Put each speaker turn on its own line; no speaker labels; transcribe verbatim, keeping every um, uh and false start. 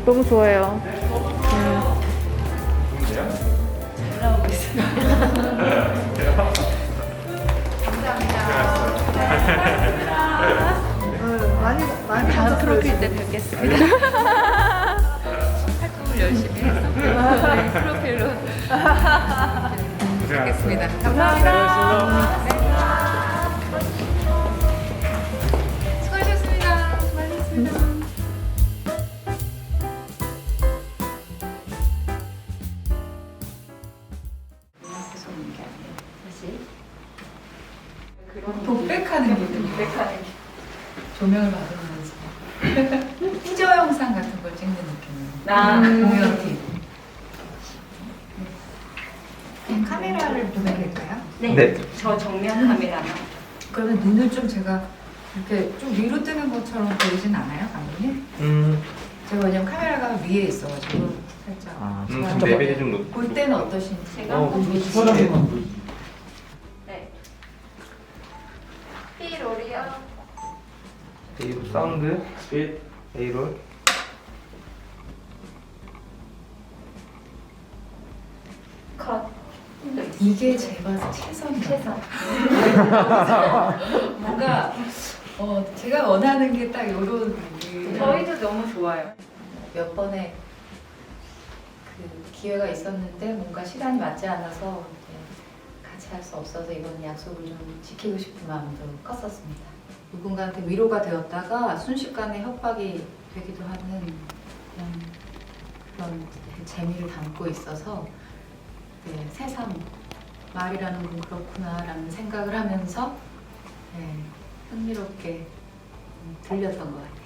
너무 좋아요.
많이 많이
다음 프로필 때 뵙겠습니다. 활동을 열심히 해서 네, 프로필로 뵙겠습니다. 감사합니다. 네. 수고하셨습니다. 수고하셨습니다. 독백하는 게 독백하는 게 조명을 받으면서 티저 영상 같은 걸 찍는 느낌이에요.
아.
공연팀. 그냥 카메라를 보면 될까요?
네.
네.
저 정면 카메라만.
그러면 눈을 좀 제가 이렇게 좀 위로 뜨는 것처럼 보이진 않아요, 감독님?
음,
제가 왜냐면 카메라가 위에 있어가지고 살짝
아,
제가
음,
한번
레벨이 좀 높.
볼 때는 어떠신지.
제가
어,
한번
그렇지.
보여주세요. 네. 삐로리요.
A로 사운드, 스윗, A롤.
컷.
이게 제가 최선이에요.
최선.
뭔가 어, 제가 원하는 게 딱 이런 그
저희도 너무 좋아요.
몇 번의 그 기회가 있었는데 뭔가 시간이 맞지 않아서 이제 같이 할 수 없어서 이번 약속을 좀 지키고 싶은 마음도 컸었습니다. 누군가한테 위로가 되었다가 순식간에 협박이 되기도 하는 그런, 그런 재미를 담고 있어서 네, 새삼 말이라는 건 그렇구나라는 생각을 하면서 네, 흥미롭게 음, 들렸던 것 같아요.